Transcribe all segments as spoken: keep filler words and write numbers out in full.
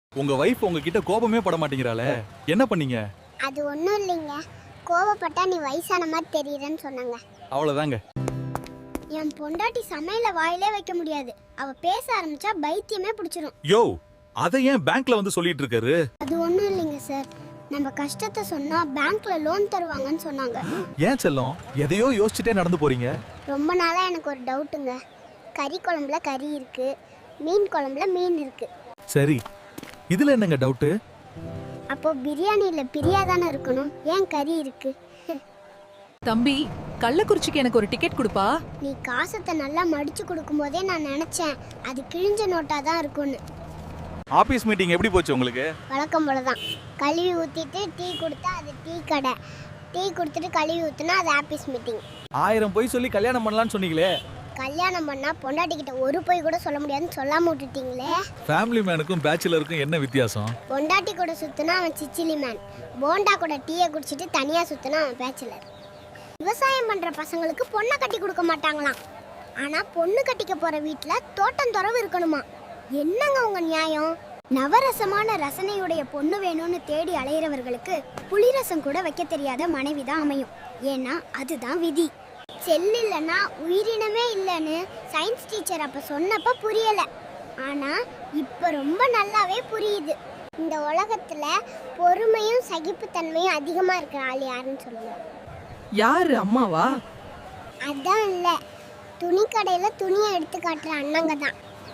உங்க வைஃப் உங்ககிட்ட கோபமே பட மாட்டேங்கிறாளே, என்ன பண்ணீங்க? அது ஒண்ணும் இல்லைங்க, கோவப்பட்டா நீ வயசான மாதிரி தெரியுறன்னு சொன்னாங்க. அவ்வளவுதாங்க. என் பொண்டாட்டி சமையல வாயிலே வைக்க முடியாது. அவ பேச ஆரம்பிச்சா பைத்தியமே பிடிச்சிரும். யோ, அதை ஏன் பேங்க்ல வந்து சொல்லிட்டு இருக்காரு? அது ஒண்ணும் இல்லைங்க சார், நம்ம கஷ்டத்தை சொன்னா பேங்க்ல லோன் தருவாங்கன்னு சொன்னாங்க. ஏன் செல்லம், எதையோ யோசிச்சுட்டே நடந்து போறீங்க? ரொம்ப நாளா எனக்கு ஒரு டவுட்டுங்க. கறி குழம்புல கறி இருக்கு, மீன் குழம்புல மீன் இருக்கு. சரி, இதுல என்னங்க டவுட்டு? அப்போ பிரியாணியில பிரியா தானே இருக்கணும், ஏன் கறி இருக்கு? தம்பி, கள்ளக்குறிச்சிக்கு எனக்கு ஒரு டிக்கெட் கொடுப்பா. நீ காசத்தை நல்லா மடிச்சு கொடுக்கும் போதே நான் நினைச்சேன் அது கிழிஞ்ச நோட்டா தான் இருக்கும்னு. ஆபீஸ் மீட்டிங் எப்படி போச்சு உங்களுக்கு? வழக்கம் போல தான். கழுவி ஊற்றிட்டு டீ கொடுத்தா அது டீ கடை, டீ கொடுத்துட்டு கழுவி ஊற்றுனா அது ஆபீஸ் மீட்டிங். ஆயிரம் பொய் சொல்லி கல்யாணம் பண்ணலாம்னு சொன்னீங்களே. கல்யாணம் பண்ணா பொண்டாட்டிக்கிட்ட ஒரு பொய் கூட சொல்ல முடியாதுன்னு சொல்லாம விட்டுட்டீங்களே. ஃபேமிலி மேனுக்கும் பேச்சுலருக்கும் என்ன வித்தியாசம்? பொண்டாட்டி கூட சுத்தினா அவன் சிச்சிலி மேன், போண்டா கூட டீயை குடிச்சிட்டு தனியா சுத்தினா அவன் பேச்சுலர். விவசாயம் பண்ற பசங்களுக்கு பொண்ணை கட்டி கொடுக்க மாட்டாங்களாம், ஆனா பொண்ணு கட்டிக்க போற வீட்டுல தோட்டம் துறவு இருக்கணுமா. என்னங்க உங்க நியாயம்? நவரசமான ரசனையுடைய பொண்ணு வேணும்னு தேடி அலையிறவர்களுக்கு புளிரசம் கூட வைக்க தெரியாத மனைவி தான் அமையும். ஏன்னா அதுதான் விதி. செல் இல்லைன்னா உயிரினமே இல்லைன்னு சயின்ஸ் டீச்சர் அப்ப சொன்னப்ப புரியல, ஆனா இப்ப ரொம்ப நல்லாவே புரியுது. இந்த உலகத்துல பொறுமையும் சகிப்புத்தன்மையும் அதிகமா இருக்கிற ஆள் யாருன்னு சொல்லுங்க. யாரு, அம்மாவா? அதான் இல்ல, துணி கடையில துணியை எடுத்து காட்டுற அண்ணங்க தான்.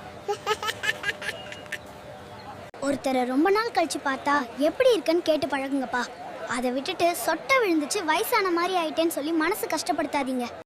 ஒருத்தரை ரொம்ப நாள் கழிச்சு பார்த்தா எப்படி இருக்குன்னு கேட்டு பழகுங்கப்பா. அதை விட்டுட்டு சொட்டை விழுந்துச்சு வயசான மாதிரி ஆயிட்டேன்னு சொல்லி மனசு கஷ்டப்படுத்தாதீங்க.